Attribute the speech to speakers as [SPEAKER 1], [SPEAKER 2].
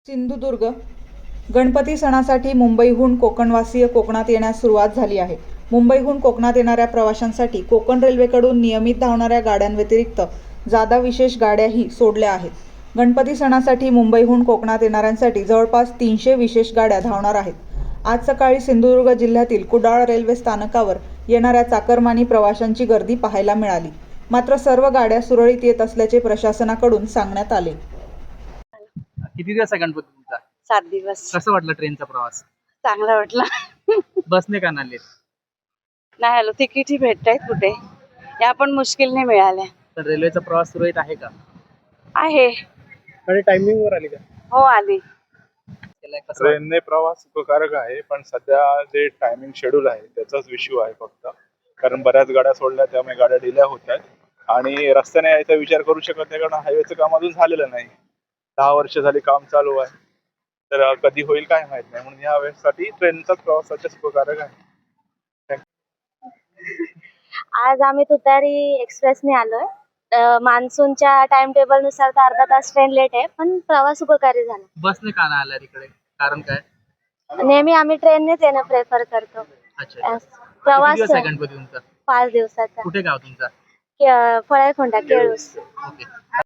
[SPEAKER 1] सिंधुदुर्ग गणपती सणासाठी मुंबईहून कोकणवासीय कोकणात येण्यास सुरुवात झाली आहे. मुंबईहून कोकणात येणाऱ्या प्रवाशांसाठी कोकण रेल्वेकडून नियमित धावणाऱ्या गाड्यांव्यतिरिक्त जादा विशेष गाड्याही सोडल्या आहेत. गणपती सणासाठी मुंबईहून कोकणात येणाऱ्यांसाठी जवळपास 300 विशेष गाड्या धावणार आहेत. आज सकाळी सिंधुदुर्ग जिल्ह्यातील कुडाळ रेल्वे स्थानकावर येणाऱ्या चाकरमानी प्रवाशांची गर्दी पाहायला मिळाली. मात्र सर्व गाड्या सुरळीत येत असल्याचे प्रशासनाकडून सांगण्यात आले.
[SPEAKER 2] किती दिवस आहे गणपती तुमचा?
[SPEAKER 3] 7 दिवस.
[SPEAKER 2] कसं वाटलं ट्रेनचा प्रवास?
[SPEAKER 3] चांगला वाटला.
[SPEAKER 2] बसने का नाले?
[SPEAKER 3] नाही आलो, तिकीटही भेटतायत कुठे, या पण मुश्किलने मिळाल्या.
[SPEAKER 2] तर रेल्वेचा प्रवास सुरळीत आहे का?
[SPEAKER 3] आहे.
[SPEAKER 4] आणि टायमिंग वर आली का?
[SPEAKER 3] हो आली.
[SPEAKER 2] त्याला कसं वाटलं?
[SPEAKER 5] ट्रेनने प्रवास सुखकारक आहे, पण सध्या जे टायमिंग शेड्यूल आहे त्याचाच इश्यू आहे फक्त. कारण बऱ्याच गाड्या सोडल्या त्यामुळे गाड्या डिले होत आहेत आणि रस्त्याने यायचा विचार करू शकत नाही, कारण हायवेचं काम अजून झालेलं नाही. 10 वर्ष झाली काम चालू आहे, तर कधी होईल काय माहित नाही. म्हणून या वेळेसाठी ट्रेनचाच प्रवास सध्या सुखकारक आहे.
[SPEAKER 6] आज आम्ही तुतारी एक्सप्रेसने आलोय. मान्सूनच्या टाइम टेबल नुसार तर अर्धा तास ट्रेन लेट आहे, पण प्रवास उपकारी झाला.
[SPEAKER 2] बसने का नाही आला तिकडे? कारण काय?
[SPEAKER 6] नेहमी आम्ही ट्रेननेच येणं प्रेफर करतो.
[SPEAKER 2] अच्छा. किती
[SPEAKER 6] प्रवास
[SPEAKER 2] दिवस आहे गणपती तुमचा?
[SPEAKER 6] 5 दिवसाचा.
[SPEAKER 2] कुठे गाव तुमचा?
[SPEAKER 6] फळायखोंडा, केळूस.
[SPEAKER 2] ओके.